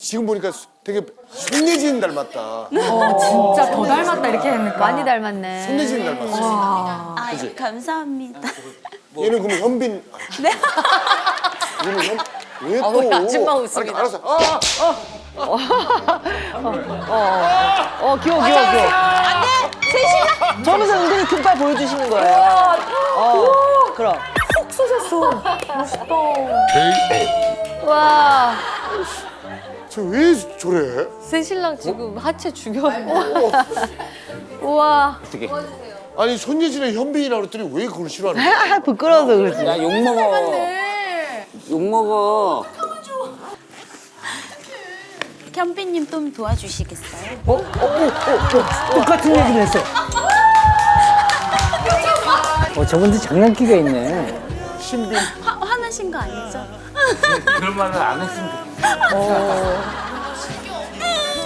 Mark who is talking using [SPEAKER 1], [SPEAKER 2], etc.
[SPEAKER 1] 지금 보니까 되게 손예진 닮았다.
[SPEAKER 2] 진짜 더 닮았다 이렇게 하니까.
[SPEAKER 3] 많이 닮았네.
[SPEAKER 1] 손예진 닮았어.
[SPEAKER 4] 아, 감사합니다.
[SPEAKER 1] 얘는 그러면 현빈. 네. 얘는 왜 또?
[SPEAKER 3] 우리 아줌마 웃음이다.
[SPEAKER 1] 알았어.
[SPEAKER 5] 귀여워. 안 돼! 셋이나! 저러면서 은근히 금발 보여주시는 거예요. 그럼.
[SPEAKER 2] 푹 쏘셨어. 멋있다.
[SPEAKER 3] 와,
[SPEAKER 1] 저 왜 저래?
[SPEAKER 3] 새 신랑 지금 하체 죽여요. 우와.
[SPEAKER 1] 아니 손예진의 현빈이라고 그랬더니 왜 그걸 싫어하는 거야?
[SPEAKER 5] 부끄러워서 그러지.
[SPEAKER 6] 야, 욕먹어. 욕먹어.
[SPEAKER 4] 현빈님 좀 도와주시겠어요?
[SPEAKER 6] 똑같은 얘기를 했어. 저분들 장난기가 있네.
[SPEAKER 1] 신빈.
[SPEAKER 4] 화나신 거 아니죠?
[SPEAKER 6] 그런 말을 안 했으면 좋겠어.